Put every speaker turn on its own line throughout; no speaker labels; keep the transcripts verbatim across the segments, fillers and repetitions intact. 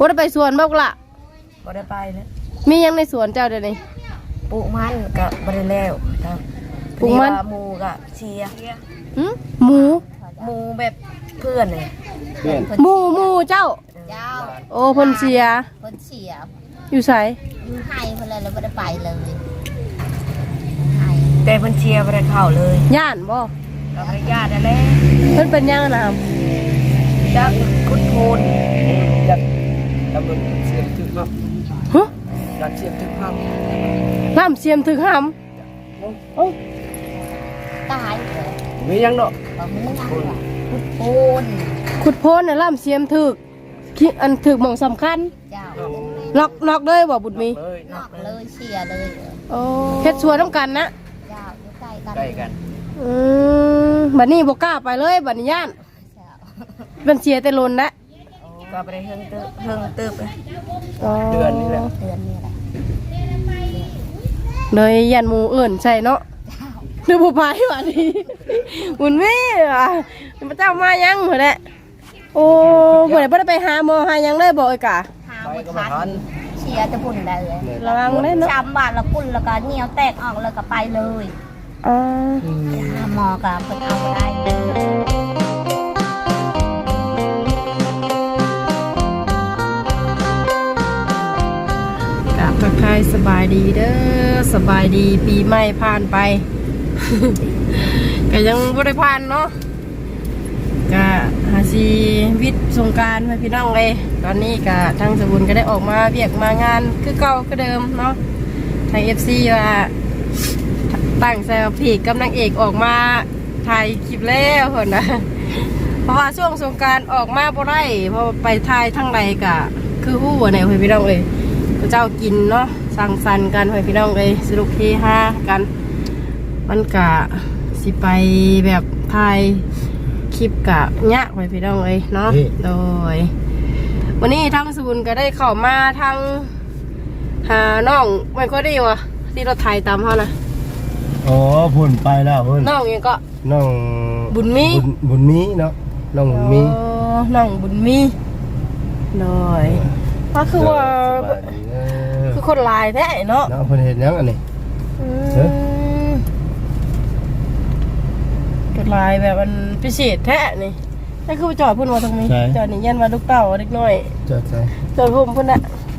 บ่ได้ไปสวนบ่ล่ะ
บ่ได้ไปเลย
มียังในสวนเจ้าเดี๋ยวนี้
ปลูกมันก็บ่ได้แล้วครับ
ปลูกมัน
หมูก็เชียร์
หึหมู
หมูแบบเพื่อนเลย
เพื่อน
หมูหมูเจ้า
เจ้า
โอ้เพิ่นเสีย
เพิ่นเสีย
อยู่ไส
อยู่ไห้เพิ่นเลยแล้วบ่ได้ไปเลย
แต่เพิ่นเชียร์บ่ได้เข้าเลย
ย่านบ่
ก็บ่ได้ญาตินั่นแหละ
เพิ่นเป็นยังนะครับ
จักคุดโพน
จักตำรวจเสียถึงครับ
ฮะ
จักเสียถึงครับ
ล่ำเสียมถึงหำโอ้
ตาย
มียังดอก
บ่มีคุดโพน
ขุดโพนน่ะล่ำเสียมถึกอันถึกหม่องสำคัญ
เจ้า
ล็อกล็อกเลยบ่บุญมี
นอกเลยเสียเลย
โอ้เฮ็ดสวนนำกันนะ
เจ้าอยู่ใกล้กัน
ใกล้กัน
อืมบัดนี้บ่กล้าไปเลยบัดนี้ย่านเป็นเสียแต่ลนนะ
ก็บ่ได้เฮิงเติบเฮิงเติบ
เดือนนี้แหละ
เดือนนี้แหละ
เลยยันหมู่อื่นใช่เนาะหรือบ่ไปบัดนี้บุญมีอ่ะพระเจ้ามายังเหรอแหละโอ้บ่ได้บ่ได้ไปหาหมอหายังเลยบ่เอ้ยกะ
หาบ่ทันเสียจะพุ่นได้เลย
ระวังเลยเนาะ
ช้ำบาดละพุ่นแล้วก็เหนียวแตกออกแล้วก็ไปเลย
อ๋อ
หาหมอก็เพิ่นเอาบ่ได้
ทักทายสบายดีเด้อสบายดีปีใหม่ผ่านไป ก็ยังบ่ได้ผ่านเนาะก็หาชีวิตสงกรานต์ให้พี่น้องเลยตอนนี้ก็ทางสบุญก็ได้ออกมาเวียกมางานคือเก่าคือเดิมเนาะทาง เอฟ ซี ว่าตั้งใจว่าพี่กับนางเอกออกมาถ่ายคลิปแล้วคนนะ เพราะว่าช่วงสงกรานต์ออกมาบ่ได้เพราะไปถ่ายทั้งไรก็คือฮู้ว่าไหนให้พี่น้องเลยพระเจ้ากินเนาะสั่งสรรค์กันให้พี่น้องเลยสนุกเฮฮากันมันกะสิไปแบบถ่ายคลิปกะยะให้พี่น้องเลยเนาะโดยวันนี้ทางศูนย์ก็ได้เข้ามาทางหาน้องไม่ค่อยได้วะที่เราถ่ายตามเขานะ
อ๋อพุ่นไปแล้วพุ่น
น้องยังก็
น้อง
บุญมี
บุญมีเนาะน้องบุญมี
น้องบุญมีโดยก็คือว่าคือคนลายแท้เนาะ
เนาะเพิ่นเห็นยังอันนี้เฮ้ย
คนลายแบบมันพิเศษแท้นี่นี่คือจอดพุ่นมาตรงนี้จอดนี่ยันมาลูกเต่าเล็กน้อย
จอดใช่
จอดพุ่มพุ่นน่ะ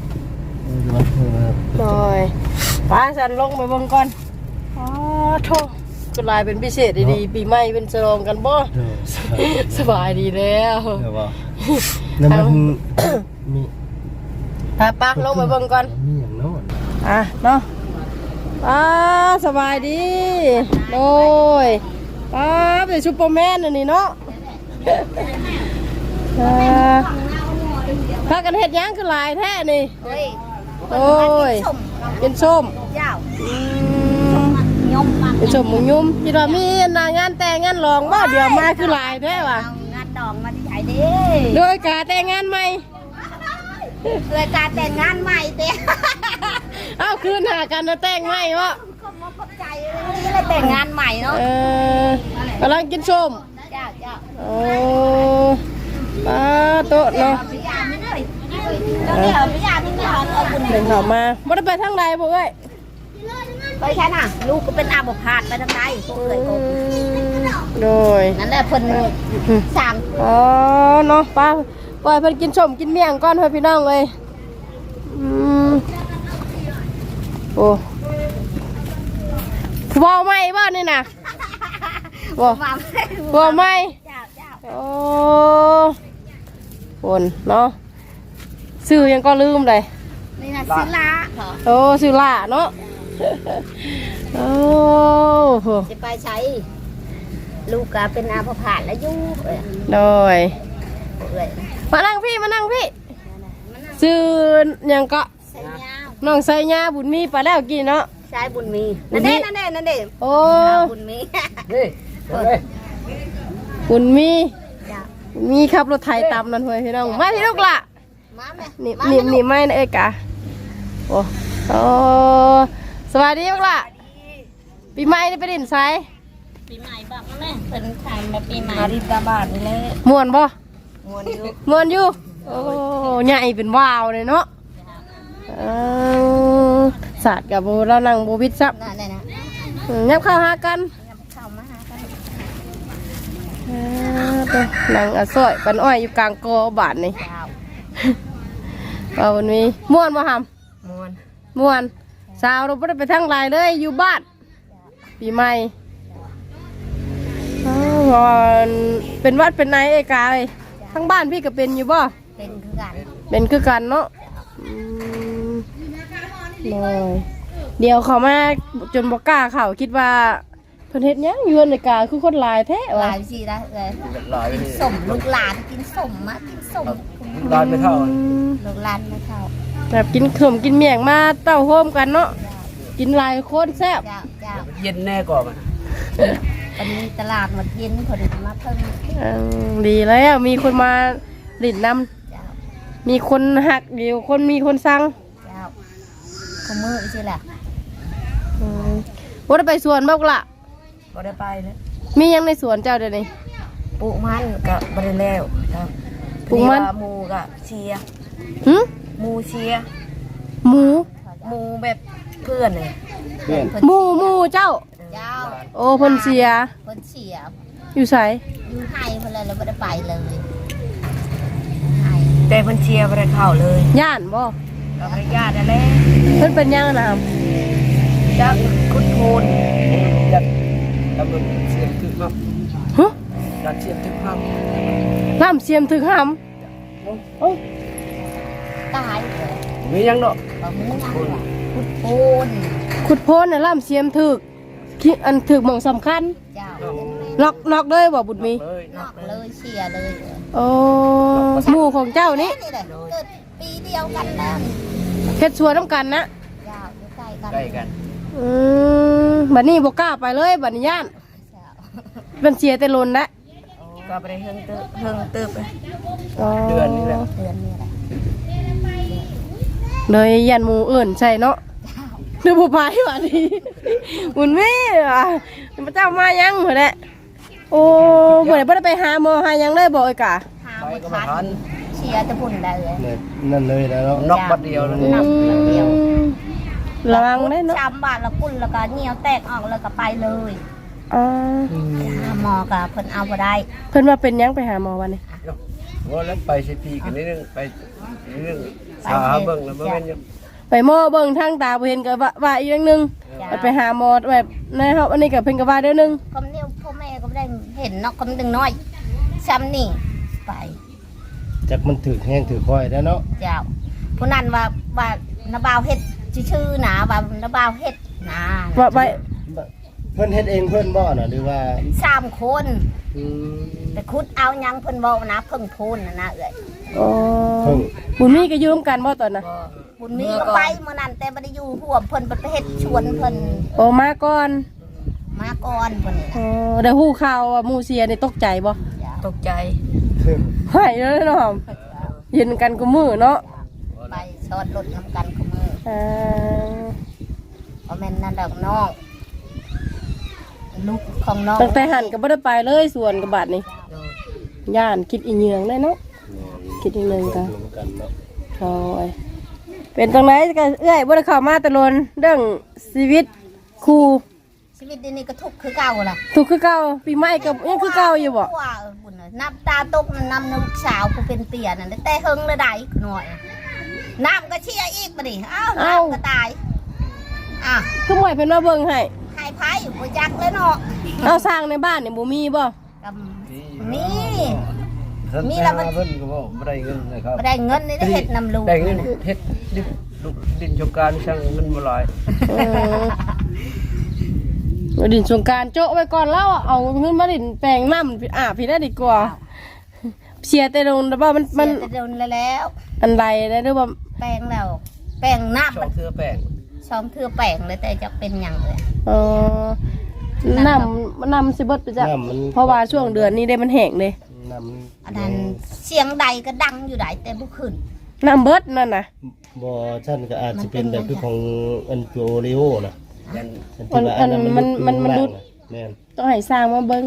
โดยป้าฉันลงไปเบิ่งก่อนอ๋อโธ่คนลายเป็นพิเศษดีๆปีใหม่เป็นฉลองกันบ่สบายดีแล้ว
เดี๋ยวว่านั่นมันมี
ป้าป้าลงไปเบิ่งก่อน
มีอย่างโน้น
อ่ะเนาะป้าสบายดีโดยป้าเป็นซูเปอร์แมนอันนี้เนาะพากันเห็ดยังคือลายแท้นี่โอ้ยเป็นส้มเป็นส้มมุยุ่มที่เรามีงานแต่งงานรองบ่เดี๋ยวมาคือลายแท้ว่ะ
งานดองมาที่ไหนดิ
โดยการแต่งงานใหม่
โดยการแต่งงานใหม่เต้
เอ้าคืนหากันนะแต่งใหม่วะ
ใจนี่เลยแต่งงานใหม่เนาะ
เออกำลังกินส้ม
จ้าจ้า
โอ้ป้าโต๊ะเนาะ
เดี๋ยวพี่ยาพี่ยาเอาบุญ
เดินเข้ามาบ่ได้ไปทางใดบ่เอ้ย
ไปใช่น่ะลูกก็เป็นอาบพาดไปทางใดพวกเคยโกง
โดย
นั่นแหละเพิ่นสั่ง
อ๋อเนาะป้าปล่อยเพิ่นกินส้มกินเมี่ยงก่อนเฮ้ยพี่น้องเลยอืมโอ้วอลไม่บ้านนี่นะวอลวอลไม่โอ้คนเนาะซื้อยังก็ลืมเลย
นี่นะซื้อละ
โอ้ซื้อละเนาะโอ้
จะไปใช้ลูกก็เป็นอาภาพแล้วยุ่ง
โดยมานั่งพี่มานั่งพี่ซื้อยังก็น้องไซญ่าบุญมีไปแล้วกินเนาะ
ใช่บุญมีนั่นเด้นั่นเด้นั่นเด้
โอ้
บุญมี
นี่
บุญมีมีขับรถไถตามนั่นเฮ้ยพี่น้องมาพี่ลูกละนี่นี่นี่ไม่นะเอ้ยกะโอ้โอ้สวัสดีลูกละปีใหม่นี่ไปดินไซ
ปีใหม่บ้างแม่เป็นทางมาปีใหม่มาดินตาบาดนี่แหละ
ม่วนบ่
ม่วนอยู่
ม่วนอยู่โอ้ใหญ่เป็นวาวเลยเนาะเออศาสตร์กับโบเรานั่งโบวิดซับ
นั่นเลยนะ
ยับเข้าหากัน
เข้ามาหากัน
เออตัวนั่งอ่ะซอยปันอ้อยอยู่กลางกอบาทนี่
เจ้า
เอาวันนี้ม่วนบ่หำ
มวน
ม่วนสาวเราไม่ได้ไปทั้งหลายเลยอยู่บ้านปีใหม่อ้าวเป็นวัดเป็นไหนไอ้กายทั้งบ้านพี่ก็เป็นอยู่บ่
เป็นคือกัน
เป็นคือกันเนาะอืมเลยเดี๋ยวเขามาจนบกล้าเขาคิดว่าเพิ่นเฮ็ดหยังอยู่ในกาคือคนหลายแท้
ห
ว่ะ
ลายสิได้เลย
ลาย
กินสมลูกหลานกินสมมากินสม
ลายไม่เท่า
อืม
ลูกหลานไม่เข้า
แบบกินขมกินเมี่ยงมาเต้าโฮมกันเนาะกินหลายคนแซ่บ
เจ้าเจ้า
เย็นแน่ก่อนมัน
วันนี้ตลาดหมดเย็นพอดีมาเพิ่ม
อืมดีแล้วมีคนมาหลินนำ
เจ้า
มีคนหักอยู่คนมีคนสั่ง
เจ้าขมือใช่แหละ
อืมว่าได้ไปสวนบ้างละ
บ่ได้ไปเลย
มียังในสวนเจ้าเดี๋ยวนี้
ปลูกมันก็บ่ได้แล้วครับ
ปลูกมัน
พอดีว่าหมูก็เชียร์
หึ
หมูเชียร์
หมู
หมูแบบเพื่อนเลย
เพื่อน
หมูหมูเจ้า
เจ้า
โอ้เพ่นเสีย
คนเสีย
อยู่ใส
อยู่ไทยเพื่อนเลยเราไม่ได้ไปเลยไทย
แต่เพิ่นเชียร์บ่ได้เข้าเลย
ย่านบ่
ก็บ่ได้ญาตินั่นแหละ
เพิ่นเป็นยังนะ
จักคุดโพน
ยัดแล้วมันเสียงถึงครับ
ฮะ
ยัดเสียงถึงครับ
ล่ำเสียมถึงหำโอ้ย
ตายเลย
มียังเนาะ
บะมุ้งพุดโพน
ขุดโพนน่ะล่ำเสียมถึกคิอันถึกหม่องสำคัญ
เจ้า
ล็อกล็อกเลยบ่บุญมี
เลย
นอกเลยเชียร์เลย
โอ้หมูของเจ้านี่
นี่เลยเกิดปีเดียวกันแล้ว
เฮ็ดชัวน้ำกันนะ
เจ้าอยู่ใกล้กัน
ใกล้กัน
อืมบัดนี้บ่กล้าไปเลยบัดนี้ย่าน
เจ้า
เป็นเสียแต่ลนละ
ก็บ่ได้เฮิงตึบเฮิงตึบเลย
เดือนนี้แหละ
เดือนนี้แหละ
เลยยันหมูเอื่นใช่เนาะเดือผู้พายว่าดีหุ่นแม่อ่ะพระเจ้ามายังเหรอเนี่ยโอ้เมื่อไหร่บ่ได้ไปหาหมอหายังเลยบอกไอ้กะ
หาบุทันเชียร์จะพุ่นได้เลย
เนี่ยนั่นเลยแล้วเนาะ
นอกบัดเดียวเลย
อืมระวังได้เนาะ
จำบาทละกุ่นแล้วก็เหนียวแตกออกแล้วก็ไปเลย
อ่า
หาหมอกับเพิ่นเอาบ่ได้
เพิ่นว่าเป็นยังไปหาหมอวันนี้
ว่าแล้วไปสิปีกันนิดนึงไปนิดนึงสาเบิ่งแล้วบ่แม่นยัง
ไปหมอเบิ่งทางตาบ่เห็นก็ว่าว่าอีกอย่างหนึงไปหาหมอแบบในเฮาอันนี้ก็เพิ่นก็ว่าเด้อนึง
คำนี้พ่อแม่ก็ไม่ได้เห็นเนาะคำดึงน้อยซ้ำนี่ไป
จักมันถึกแห้งถึกค่อยแล้วเนาะ
เจ้าผู้นั้นว่าว่านาบาวเฮ็ดชื่อๆนะว่านาบาวเฮ็ดนะ
ว่าไป
เพิ่นเฮ็ดเองเพิ่นบ่น่ะหรือว่า
สามคน
อืม
แต่คุดเอายังเพิ่นบอกนะเพิ่งพูนนะนะเอ้ย
อ๋อบุญมีก็ยืมกันบ่ตอนน่ะ
บุญมีก็ไปเมื่อนั้นแต่บ่ได้อยู่ร่วมเพิ่นไปเฮ็ดชวนเพิ่น
โอ้มาก่อน
มาก่อนเพิ่นนี่
อ๋อได้ฮู้ข่าวว่าหมู่เสียนี่ตกใจบ่
เจ้า
ตกใจ
หายเลยเนาะเย็นกันกูมือเนาะ
ไปชอดรถนำกันขมือ
อ่า
บ่แม่นนั่นดอกน้องลูกของน้อง
ตั้งแต่หันก็บ่ได้ไปเลยส่วนกับบาดนี่ย่านคิดอีเหยืองได้เนาะคิดอีเหนึงก็
รวมกันเนาะ
โอ้ยเป็นตรงไหนก็เอื้อยบ่ได้เข้ามาแตะลนเรื่องชีวิตครู
ชีวิตเดี๋ยวนี้ก็ทุกข์คือเก่าล่ะ
ถูกคือเก่าปีใหม่ก็ยังคือเก่าอยู่บ่
ว่าเออบุญน่ะน้ำตาตกมันน้ำน้ำสาวผู้เป็นเปียนั่นแต่เฮิงเลยได้หน่อยน้ำก็เชี่ยอีกมาดิอ้าวน้ำก็ตายอ่ะ
คือหมวยเพิ่นมาเบิ่งให้
หายไพ่บ่จักเลยเนาะ
เอาสร้างในบ้านนี่บ่มีบ่
กับนี่ มี
มี
แล้
แล้ว ว
มั
มัน นเพิ่นก็บ่บ่ได้เงินนะครับ
บ่ได้เงินนี่ได้เฮ็ดนำลูก
ได้เงินเฮ็ดดินลูกดินชมการช่างเงินบ่หลาย
เออดินสงกรารโจ๊ะไว้ก่อนแล้วอะเอาเงินมาดินแปลงน้ำอาบพี่ได้ดีกว่าเสียแต่ลงแต่ว่ามัน
มั
มัน น
จะโดนแล้ว
อันใดได้หรือว่า
แป้งแล้ว แป้งน้ำ
ช่อ
มั
ง
น
เทือแป้ง
ซ้อมเทือแป้งเลยแต่จะเป็นหยังเลย
เออน้ำน้ำสิเบดไปจ้ะ
น้ำมัน
เพราะว่าช่วงเดือนนี้ได้มันแห้งเลย
น้ำมัน
อันนั้นเสียงใดก็ดังอยู่ได้แต่บ่ขึ้น
น้ำเบิดนั่นนะ
บ่ชั้นก็อาจจะเป็นแบบคือของอันโจริโอนะ
มันมันมันมันมันดุด
แม่น
ต้องให้สร้างมาเบิ้ง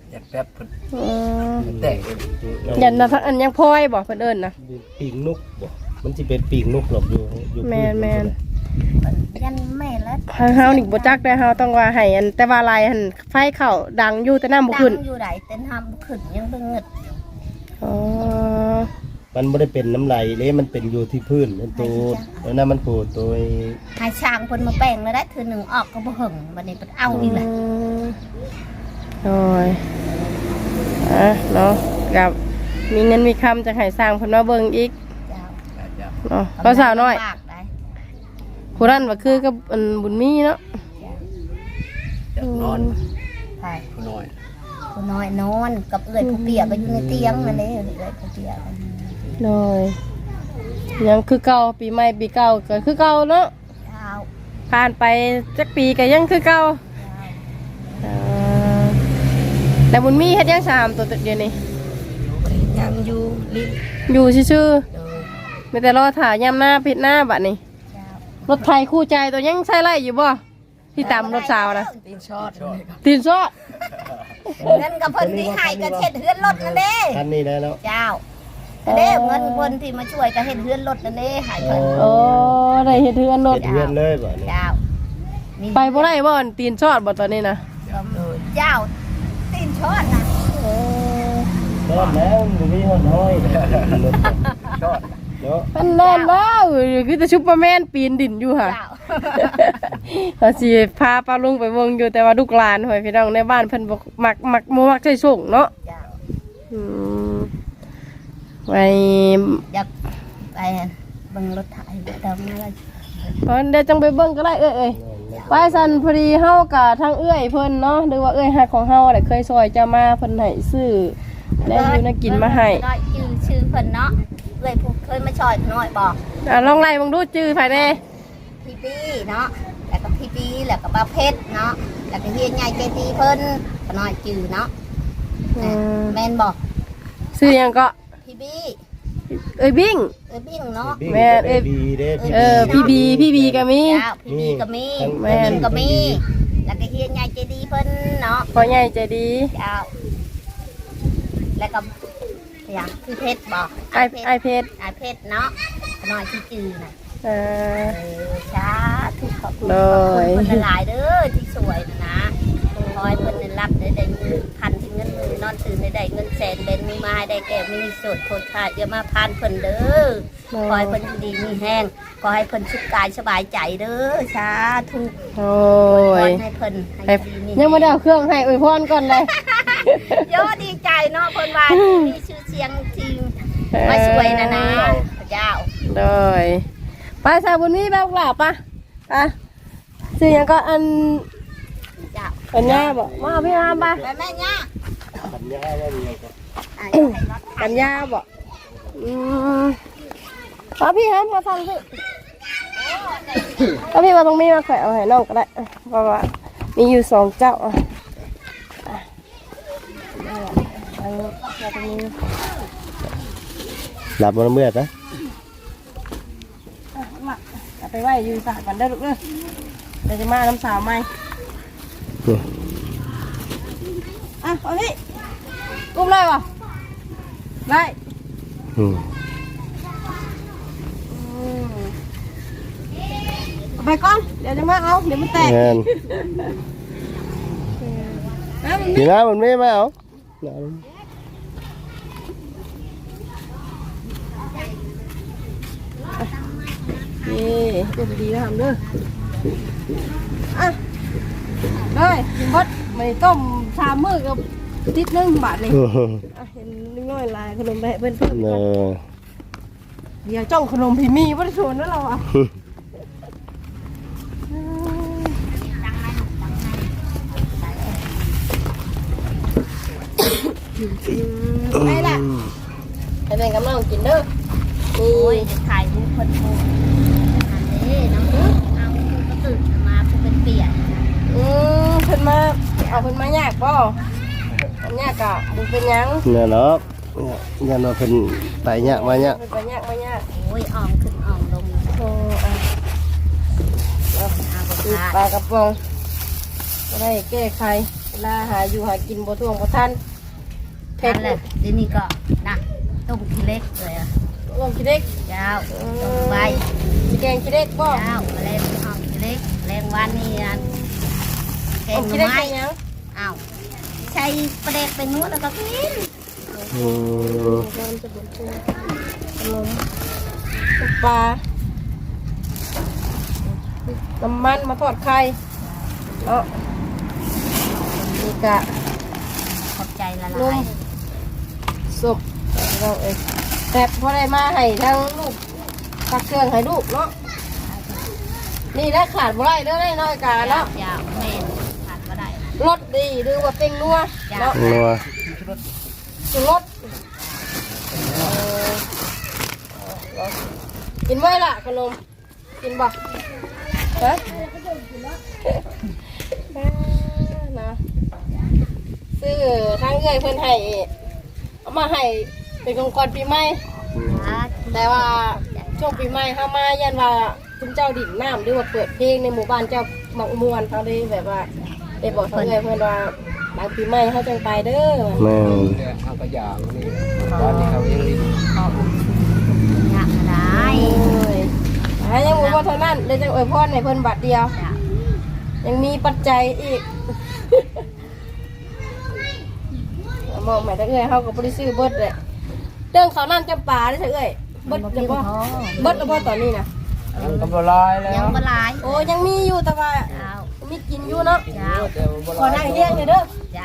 อยากแป๊บเพิ่น
อืม
แตกเอง
ยันนะทั้งอันยังพลอยบอกเพิ่นเอิ้นนะ
ปีกนกบ่มันสิเป็นปีกนกหรอกอยู่อยู่
แม่นแม่น
ยันแม่แล้ว
ทางเฮานี่บ่จักได้เฮาต้องว่าให้อันแต่ว่าลายหันไฟเข้าดังอยู่แต่น้ำบ่
ดั
ขึ้น
งอยู่ไหนเต้นทำขึ้นยังเบิ่งเงิด
อ๋อ
มันบ่ได้เป็นน้ำไหลเลยมันเป็นอยู่ที่พื้นมันตัวแล้วนั้นมันโผล่ตัว
ให้ช่างเพิ่นมาแปลงเลยได้ถือหนึ่งออกก็บ่หึงบัดนี้เพิ่นเอาอีกแหละ
โอ้ยอ่ะเนาะกับมีเงินมีคำจะให้สร้างเพิ่นมาเบิ่งอีก
เจ้า
เจ้า
เนาะเพราะสาวน้อย
ลำบากได้
ผู้นั้นว่าคือกับอันบุญมีเนาะ
อยากนอน
ใช่
ผู้น้อย
ผู้น้อยนอนกับเอื้อยผู้เปียกก็อยู่ในเตียงนั่นเองเอื้อยผู้เปียก
โดยยังคือเก่าปีใหม่ปีเก่าก็คือเก่าเนาะ
เจ้า
ผ่านไปจักปีก็ยังคือเก่าเอ่อแต่บุญมีเฮ็ดยังสามตัวเดียวนี่
ยังอยู่ลิ้น
อยู่ซื่อ
โดย
ๆมีแต่รอถ่ายยามหน้าพิดหน้าบัดนี้
เจ้าร
ถไทยคู่ใจตัวยังใช้ไล่อยู่บ่ที่ตามรถสาวนะ
ตีนช็อต
ตีนซอ
เงินกับเพิ่นที่ให้ก็เฮ็ดเฮือนรถนั่นเด้
คันนี้ได้แล้ว
เจ้าเด้เงินเพิ่นที่มาช่วยก็เฮ็ดเฮือนรถนั่นเด้ให้เพิ่น
โอ้ได้เฮ็ดเทือนรถ
เฮ็ดเฮือนเลยบ่เนี่ย
เจ้ามี
ไปบ่ได้บ่ตีนซอดบ่ตอนนี้นะ
เจ้าตีนช้อนน่ะ
รอดแล้วมันมีหอนห้อย
ชอบ
เนาะ
มันแน่นแล้วคือแต่ซุปเปอร์แมนปีนดินอยู่ค่ะ
เจ้า
เขาสิพาป้าลุงไปวงอยู่แต่ว่าลูกหลานหอยพี่น้องในบ้านเพิ่นบ่มักมักบ่มักใช้ส่งเนาะ
เจ้า
อืมไป
อยากไปเบิ่งรถไถเติมอะไร
เพราะเดี๋ยวจังไปเบิ่งก็ได้เอ้ยเอ้ยไปสันพอดีเฮากับทางเอื้อยเพิ่นเนาะหรือว่าเอื้อยฮักของเฮาได้เคยซอยจะมาเพิ่นให้ซื้อแล้วอยู่น่ากินมาให้
น้อยชื่อชื่อเพิ่นเนาะเลยผู้เคยมาช่อยน้อยบอก
อ่ะลองไล่เบิ่งดูจื้อไผแน่
พี่ปีเนาะแล้วก็พี่ปีแล้วก็ป้าเพชรเนาะแล้วก็เฮียใหญ่ใจดีเพิ่นก็น้อยจือเนาะ
อืม
แม่นบอก
ซื้อหยังก็
พี่บี
เอ้ยบิ่ง
เอ้ยบิ่งเนาะ
แม่เอ้ย
บีเด้พี่
เออพี่บีพี่บีก็มี
เจ้าพี่บีก็มี
แม่น
บิ่งก็มีแล้วก็เฮียใหญ่ใจดีเพิ่นเนาะ
พ่อใหญ่ใจดี
เจ้าแล้วก็อย่างพี่เพชรบอก
ไอ้ไอ้เพชร
ไอเพชรเนาะน้อยที่จือน่ะ
เออ
เออช้าทุกขอบคุณ
โด
ขอบ
ย
คุณคนหลายๆเด้อที่สวยนะคอยเพิ่นได้รับได้ได้เงินพันที่เงินมือนอนตื่นได้ได้เงินแสนเบนมีมาให้ได้แก่มีสดโทษค่ะอย่ามาพานเพิ่นเด้อคอยเพิ่นอยู่ดีมีแห้งขอให้เพิ่นสุขกายสบายใจเด้อสาธุ
โอ้
ข
ย
ให้เพิ่นให้
ให้
ดีมี
ยังไม่ได้เอาเครื่องให้อวยพรก่อนเลย
โยดีใจเนาะเพิ่นว่ามีชื่อเสียงทีมมาสวยนะนะพระเจ้า
โดยไปสาวบุญมีแบบหลับปะปะซื้อหยังก็อัน
เจ้า
อันย่าบอกมาเอาพี่อามปะ
ไปแม่ย่า
ปัญญาว่ามีก็
อ่ะอย่าให้รถ
อันย่าบอกอืมเอาพี่ครับมาฟังพี่เอาพี่มาตรงนี้มาแขวะเอาให้น้องก็ได้เพราะว่ามีอยู่สองเจ้าอ่ะอ่ะเอาเอาตรงนี้
หลับบ่เมื่อปะ
มาเอาไปไหว้อยู่สระกันได้อลูกเด้อเดี๋ยวจะมาน้ำสาวไหมอ่ะเอาพี่อุ้มเลยวะได้
อืม
เอาไปก่อนเดี๋ยวจะมาเอาเดี๋ยวมันแตก
งาน
นะมัน
นี่นะมันไม่มาเอา
นี่ดูดีๆนะทำเด้ออ่ะเลยมดไม่ต้มชามมือกับติดนึงบาทนี่อ่ะเห็นนิดหน่อยลายขนมไปให้เพื่อนเพิ่ม
เน
ก่อน
อ
เดี๋ยวจ้องขนมพี่มีวัตถุนั่นเราอ่ะไปละไปเป็นกำลังกินเด้อ
โอ้ยจะถ่ายรูปคนโทรอันนี้น้องเอาคุณก็ตื่นมาคุณเป็นเปียก
อืมเพิ่นมาเอาเพิ่นมายากบ่อันยากกะบ่เป็นหยัง
เนี่ยเนาะยันว่าเพิ่นไปยากมาเนี่ย
เพิ่นไปยากมายาก
โอ้ยอ่อมขึ้นอ่อมลง
โอ้อ่ะ
เอา
คือ
ขาด
ปลากระป๋องก็ได้แก้ไขลาหาอยู่หากินบ่ท่วงบ่ทันเผ็ด
นั่นแหละเดี๋ยวนี้ก็นะต้มขี้เล็กเลยอะ
ลงขี้เล็ก
เจ้าต้มใบ
สิแกงขี้เล็กบ่
เจ้าแรงหอมขี้เล็กแรงวันนี่อันแก
ล
ง
ง
ห
ขี้
น่
เล็
อก ไม้
ใส่หยัง
อ้าวใช้ประเด็กไปนู้นแล้วก็กิน
อืม
มันจะเป็นตัวขนมปลาน้ำมันมาทอดไข่เนาะนี่กะ
ขอบใจละ
นุ่
ลาย
มสุกเราเองแต่พอได้มาให้ทั้งลูกตักเครื่องให้ลูกเนาะนี่ได้ขาดบ่ได้เด้อได้น้อยกาเนาะ
ยาวแม่นขาดก็ได้
รสดีหรือว่าเป็นนัวเนาะ
นัว
สุรสเออกินไว้ล่ะขนมกินบ่ฮะนะซื้อทางเอื้อยเพิ่นให้เอามาให้เป็นของขวัญปีใหม่ แต่ว่าช่วงปีใหม่เข้ามายันว่าคุณเจ้าดิ่งน้ำหรือว่าเปิดเพลงในหมู่บ้านเจ้ามักมวนเขาได้แบบว่าได้บอกเขาเลยเพื่อนว่าหลังปีใหม่เขาจังไปเด้อ
แม่น
เนี่ยเอากระยางนี่บ้านนี้เขายังลิ้น
ขอบยากได้
โอ้ยหายังบ่ว่าเท่านั้นเลยจังอวยพรให้เพิ่นบัดเดียว
จ้ะ
ยังมีปัจจัยอีกมองหมายถึงเอ้ยเขาก็บ่ได้ซื้อเบิดเลยเรื่องเขาวน้ำจำปาได้ใช่เอ้ยเบิดจะบ่เบิดแล้วบ่ตอนนี้นะ
ยังกำลังลายแล้
ยัง
ว
บ่หลาย
โอ้ยังมีอยู่แต่ว่า
เจ้า
มีกินอยู่เนาะ
เจ้า
แต่ว่าบ่
ขอ
ลา
นั่
ย
งเลี้ยงเลยเด้อ
จ้ะ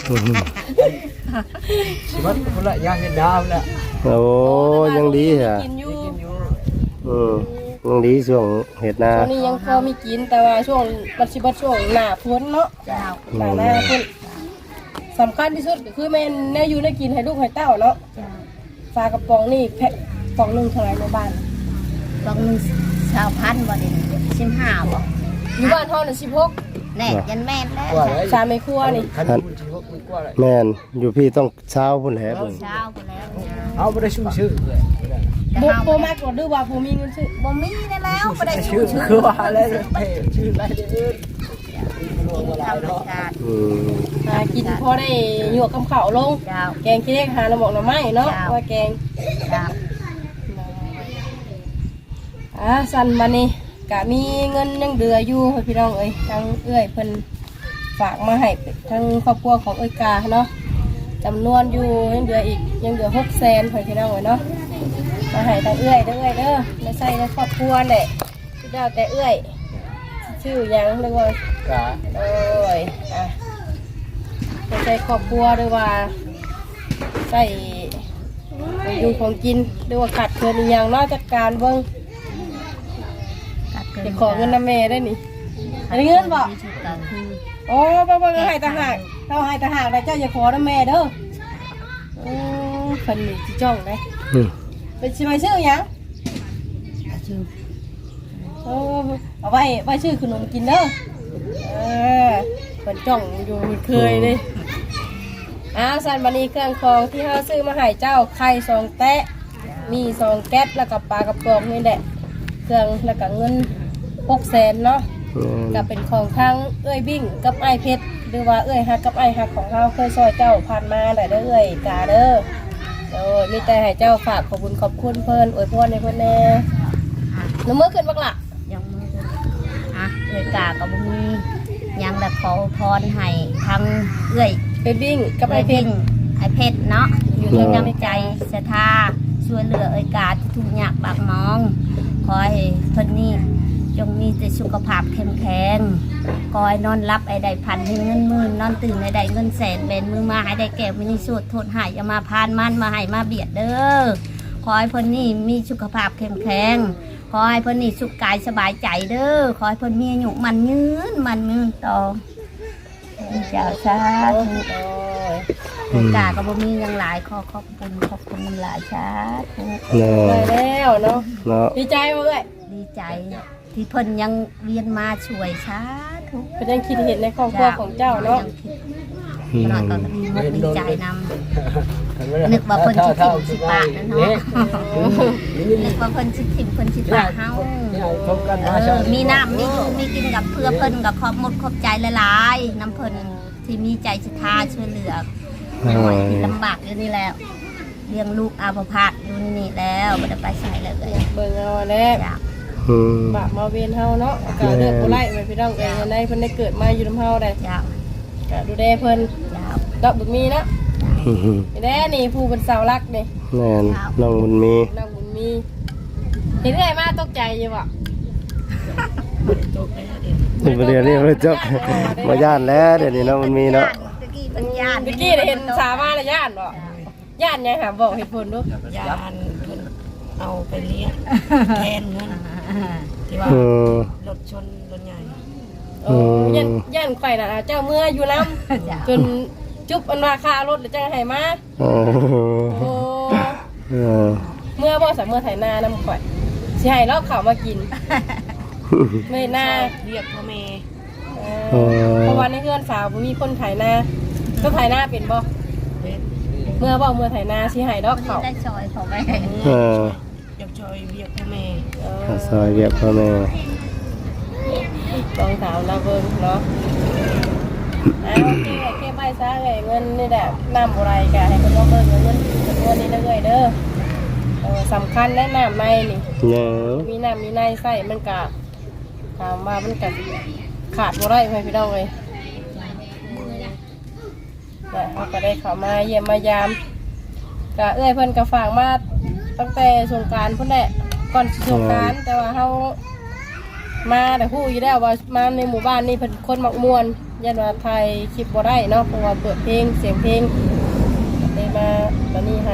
สิมันคนละยางเห็นดาวแล้ว
โอ้ยังดีเหรอ
กินอยู่
กินอยู่
อืมยังดีช่วงเห็ดนา
ช่วงนี้ยังพอมีกินแต่ว่าช่วงปัจจุบันช่วงหน้าฝนเนาะ
เจ้า
หน้าหน้าฝนสำคัญที่สุดก็คือแม่นแน่อยู่ได้กินให้ลูกให้เต้าเนาะ
เจ้า
ปลากระป๋องนี่แพ็คกล่องหนึงเท่าไหร่ในบ้าน
บางนึงชาวพันธุ์บ่ได้สิบห้าบ่
อยู่บ้านเฮาน่ะสิบหก
แน่ยันแม่นแล้ว
กว่าแล้ว
สามในครัวนี่
คันมันสิว่ามันกว่าแล้ว
แม่นอยู่พี่ต้องเช้าพุ่นแหละเพิ่น
เช้าไปแล้วเนี่ย
เอาบ่ได้ชื่อชื่อเลย
บ่บ่มากกว่าดื้อว่าบ่มีเงินซื้อ
บ่มีได้แล้วบ่ได้
ชื่
ชื่
อ
อ
คือว่าอะไรเท่ชื่ออะไรเด้อ
ธรรมชาติ
อืม
หากินพอได้หยวกกับข้าวลง
เจ้า
แกงขี้เหล็กหาหน่อหมกหน่อไม้เนาะ
จ้า
ว่าแกง
เจ้า
อ่าสั่นมานี่กะมีเงินยังเดืออยู่ให้พี่น้องเอ้ยทั้งเอื้อยเพิ่นฝากมาให้ทั้งครอบครัวของเอ้ยกาเนาะจำนวนอยู่ยังเหลืออีกยังเหลือหกแสนให้พี่น้องเอ้ยเนาะมาให้ทั้งเอื้อยเด้อเอ้ยเด้อไม่ใช่ในครอบครัวแหละที่เจ้าแต่เอื้อยชื่อหยังเรียกว่าก
ะ
โอ้ยอ่ะไม่ใช่ครอบครัวหรือว่าใส่อยู่ของกินหรือว่าขาดเกินอหย่างเนอกจากการเบิ่ง
ตัดเกิน
จะขอเงินน้ำเมได้นี่อันนี้เงินบ่
มีชุดกลางคืน
โอ้บ่บ่ก็ให้ต่างหากเราให้ต่างหากแล้วเจ้าอย่าขอน้ำเมเด้อโอ้เพิ่นนี่สิจ้องได้
อืม
เป็นสิไปซื้อหยัง
ชื่อ
โอ้เอาไว้ไว้ซื้อขนมกินเด้อเออเพิ่นจ้องอยู่เคยเลยอ้าวสันบันนี้เครื่องของที่เฮาซื้อมาให้เจ้าไข่สองแตะมีสองแก๊สแล้วก็ปลากระป๋องนี่แหละเครื่องแล้วก็เงินหกแสนเนาะ
อืม
ก็เป็นของทั้งเอ้ยบิ่งกับไอ้เพชรหรือว่าเอ้ยฮักกับไอ้ฮักของเราเคยซอยเจ้าผ่านมาได้เด้อเอ้ยกาเด้อโอ้ยมีแต่ให้เจ้าฝากขอบคุณขอบคุณเพิ่นอวยพรให้เพิ่นแน่น้ำมือขึ้นบักละ
ยังมือเดินอ่ะเอื้อยกากับบ่มียังแบบขอพรให้ทั้งเอื้อย
เอ้ยบิ่งกับไอ้เพชร
ไอ้เพชรเนาะ
อยู่
มี
ใน
น้ำใจศรัทธาช่วยเหลือเอ้อยกาที่ทุกข์ยากบากหมองขอให้เพิ่นนี่จงมีแต่สุขภาพเข้มแข็งขอให้นอนรับไอ้ได้พันให้เงินหมื่นนอนตื่นไอ้ได้เงินแสนเบนมือมาให้ได้แก้วมินิสูตรโทษหายอย่ามาพานมันมาให้มาเบียดเด้อขอให้เพิ่นนี่มีสุขภาพเข้มแข็งขอให้เพิ่นนี่สุขกายสบายใจเด้อขอให้เพิ่นมีอายุมันยืนมันยืนต่อเจ้าสาธุ
โอ้ย
กากับบ่มีหยังหลายขอขอบคุณขอบคุณน้ำหลายชาธุ
เนาะ
ได้แล้วเนาะ
เนาะ
ดีใจบ่เอ้ย
ดีใจที่เพิ่นยังเวียนมาช่วยชาธุ
เพิ่นยังคิดเห็นในครอบครัวของเจ้าเนาะ
อืม
ขนาดก็ดีมุกดีใจนำนึกว่าเพิ่นสิถิ่มสิปะนั่นเนาะนึกว่าเพิ่นสิถิ่มเพิ่นสิปะเฮา
พบกัน
เอ
มาช
อมีน้ำมีอยู่มีกินกับเพื่อเพิ่นกับขอบหมดขอบใจหลายๆน้ำเพิ่นที่ที่มีใจศรัทธาช่วยเหลือที่ลำบากอยู่นี่แล้วเลี้ยงลูกอาภาพอยู่นี่แล้วไม่ได้ไปใส่เลยเลย
เบิ่งเอาแล้ว
จ้ะ
อืม
บาปมาเวียนเฮาเนาะก็เลือกบ่ไล่ไว้พี่น้องเอ้ยในเพิ่นได้เกิดมาอยู่นำเฮาได้
จ้ะ
ก็ดูแลเพิ่น
จ้ะ
ดอกบุญมีเนาะนี่แหละนี่ผู้เป็นเสาหลักนี่
แม่นน้องบุญมี
น้องบุญมีเห็นได้มาตกใจอยู่บ่
นี่ประเดี๋ยวนี้บ่จบบ่ย่านแล้วเดี๋ยวนี้น้องบุญมีเนาะ
ตะกี้เป็นญาติ
เมื่อกี้ได้เห็นสาวมาแล้วย่านบ่ย่านยังหาบอกเหตุผลดู
ยานเพิ่นเอาไปเลี้ยงแทนเงินที่ว่า
เออ
รถชนรถใหญ่
โอ้ย่านย่านข่อยน่ะเจ้าเมื่ออยู่นำจนจุบอันว่าค่ารถแล้วจังให้มา
เออ
โอ้
เออ
เมื่อบ่สามเมื่อไถนานำข่อยสิให้เราเข้ามากินไม่น่า
เรียกพ่อแม่
เออเพราะว่าในเฮือนสาวบ่มีคนไถนาก็ไถนาเป็นบ่
เป็น
เมื่อบ่เมื่อไถนาสิให้ดอกเขา
ได้ซอยของแม่
เออ
อยากช่วยเรียกพ่อแม่
เออ
ข้าวซอยเรียกพ่อแม่
ลองถามเราเบิ่งเนาะเอาโอเคโอเคไปซะเอ้ยเงินนี่แหละน้ำบ่ไรกะให้เพิ่นลองเบิ่งเงินจำนวนนี้เด้อเอ้ยเด้อเออสำคัญและน้ำในนี่
เนาะ
มีน้ำมีในใส่มันกะถามว่ามันกะขาดบ่ได้ไหมพี่น้องเอ้ยแต่เขาก็ได้เข้ามาเยี่ยมมายามกะเอ้ยเพิ่นก็ฝากมาตั้งแต่สงกรานต์พุ่นแหละก่อนสงกรานต์แต่ว่าเฮามาแต่ฮู้อยู่แล้วว่ามาในหมู่บ้านนี่เพิ่นคนมักม่วนยันว่าไทยคลิปบ่ได้เนาะเพราะว่าเปิดเพลงเสียงเพลงก็เลยมาตอนนี้ให้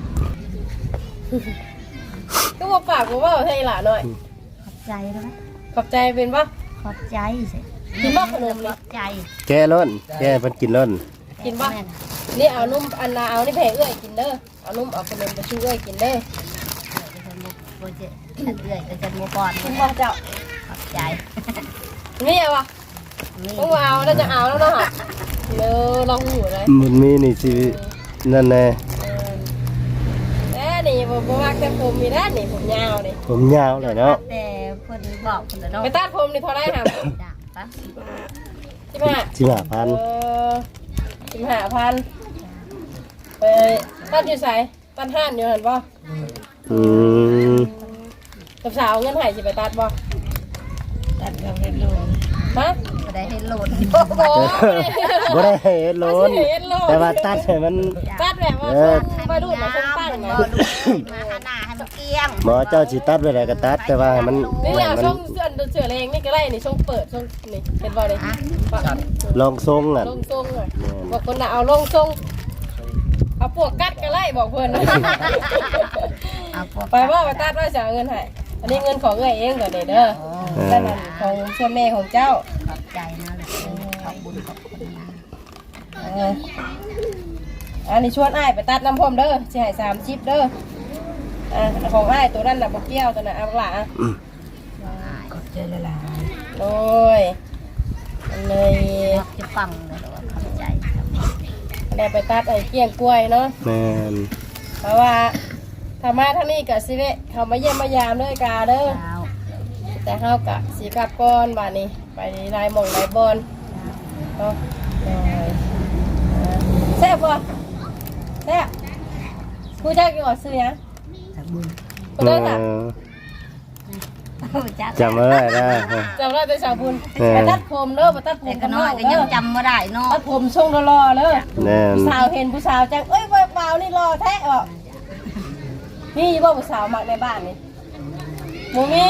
ก็บ่ปากบ่เว้าให้หล่ะหน่อย
ขอบใจนะ
ขอบใจเป็นบ่
ขอบใจสิ
กินบ่ขนม
ข
นี่
อบใจ
แก้ล้นแก้เพิ่นกินล้น
กินบ่นี่เอานุ่มอันนาเอานี่ไปให้เอื้อยกินเด้อเอานุ่มเอาขนมไปชูเอื้อยกินเด้อ
โปรเจกต์เรื่อยก็จะมัวก่อน
กินบ่เจ้า
ขอบใจ
นี่เอาบ่
นี่
ต้องเอาแล้วจะเอาแล้วเนาะเด้อลองหูเลย
บุญมีนี่สินั่นแน่
เออแน่นี่บ่บ่มักแต่ผมมีนะนี่ผมยาวนี่
ผมยาวเลยเนาะ
แต่คนบอกคนละเนาะ
ไปตัดผมนี่เท่าไหร่ครับ
จ้ะปะ
สิบห้า
สิบห้าพัน
เออสิบห้าพันไปตัดอยู่ไสตัดห้านอยู่หั่นบ่
อืม
กับสาวเงินให้สิไปตัดบ่
ตัดกับเฮ็ดโลน
ฮะ
ก็ได้ให้โหลด
โอ้โห
บ่ได้เฮ็ดล้นแต่ว่าตัดให้มัน
ตัดแบบว่า
เออ
มาดูดมาคนตั้ง
มา
นะ
ดูมาหาหน้าให้มันเกลี้ยง
หมอเจ้าสิตัดไว้ได้ก็ตัดแต่ว่าให้มัน
นี่
ให้
เอา
มัน
ช่องเสื้อเสื้อเลงนี่ก็ได้นี่ช่องเปิดช่องนี่เห็นบ่เลยปะ
ลองทรงอ่ะ
ลงทรงเลยบอกคนน่ะเอาลงทรงเอาปวกกัดก็ไล่บอกเพื่อน
เอาพวก
ไปว่าไปตัดว่าจะเอาเงินให้อันนี้เงินของเอ้ยเองก่อนเด้อเด้อนั่นน่ะของส่วนแม่ของเจ้า
ขอบใจนะขอบบุญขอบคุณนะ
เอออันนี้ชวนอ้ายไปตัดน้ำพรมเด้อสิให้สามชิปเด้ออ่ะของอ้ายตัวนั้นน่ะบ่เกี่ยวตัวน่ะเอาหล่ะ
ขอบใจละลาย
โอ้ยอันเลย
รับจะฟังเลยว่าขอบใจครับ
ได้ไปตัดไอ้เกี้ยงกล้วยเนาะ
แม่น
เพราะว่าธรรมะทั้งนี้กับสิเวะเขามาเยี่ยมมายามเลยกาเด้อ
เจ้า
แต่เฮากะสีกลับก่อนบ้านนี้ไปลายหม่องลายบอลเนาะเลยแซ่บบ่แซ่บผู้จักอยู่ว่าซื้อหยัง
จากบุญ
ผู้
เอ
เด้อจ้ะ
อ
จัก
จำไว้ได้นะ
จำได้แต่ชาวบุญ
แม่
ไปตัดผมเด้อไปตัดผ
แต่
ม
ก็
กัน
น้
น้
อ
อย ย
ก็
เด้
ยั
อง
จำไม่ได้เนาะ
ตัดผมทรงรอๆเด้อ
แน่น
ผู้สาวเห็นผู้สาวจังเอ้ยบ่าวนี่รอแท้บ่มีบ่ผู้สาวมักในบ้านนี่บ่มี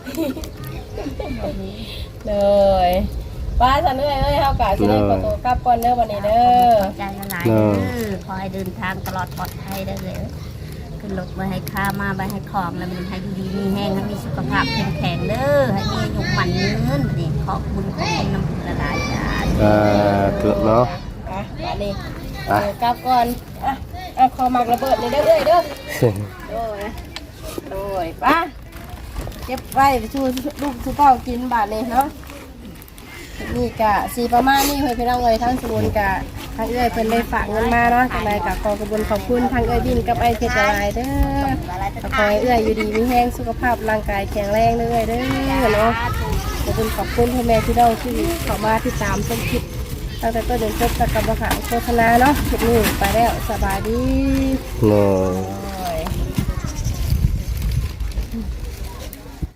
เลยป้าฉันเอ้ยเอ้ยเฮากะสิได้ขอตัวกลับก่อนเด้อวันนี้เด้อ
ขอบใจละลายเด้อขอให้เดินทางตลอดปลอดภัยได้เลยขึ้นรถมาให้ข้ามาไปให้ของแล้วมันให้ดีมีแห้งให้มีสุขภาพแข็งแข็งเด้อให้มีหนุ่มหมันยืนบัดนี้ขอบคุณขอบคุณน้ำบุญละลายจ้า
อ่าเกือบเนาะ
อ่ะวันนี้
ไป
เออกลับก่อนอ่ะเอาขอหมักระเบิดนี่เด้อเอ้ยเด้อโอ้ยโอ้ยป้าเก็บไว้ชูลูกชูเต้ากินบาทนี้เนาะนี่กะสีประมาณนี้เพื่อนพี่น้องเอ้ยทั้งสมุนกะทั้งเอ้ยเพิ่นได้ฝากเงินมาเนาะจังไดกะขอกระบุญขอบคุณทั้งเอ้ยบินกับไอ้เพชรละลายเด้อ ขอให้เอื้อยอยู่ดีมีแห้งสุขภาพร่างกายแข็งแรงเด้อเด้อเนาะขอบคุณขอบคุณพ่อแม่พี่น้องที่เข้ามาติดตามชมคลิปตตั้งแต่ต้นจนจบจากกรรมฐานโฆษณาเนาะคลิปนี้ไปแล้วสบายดี
เนาะ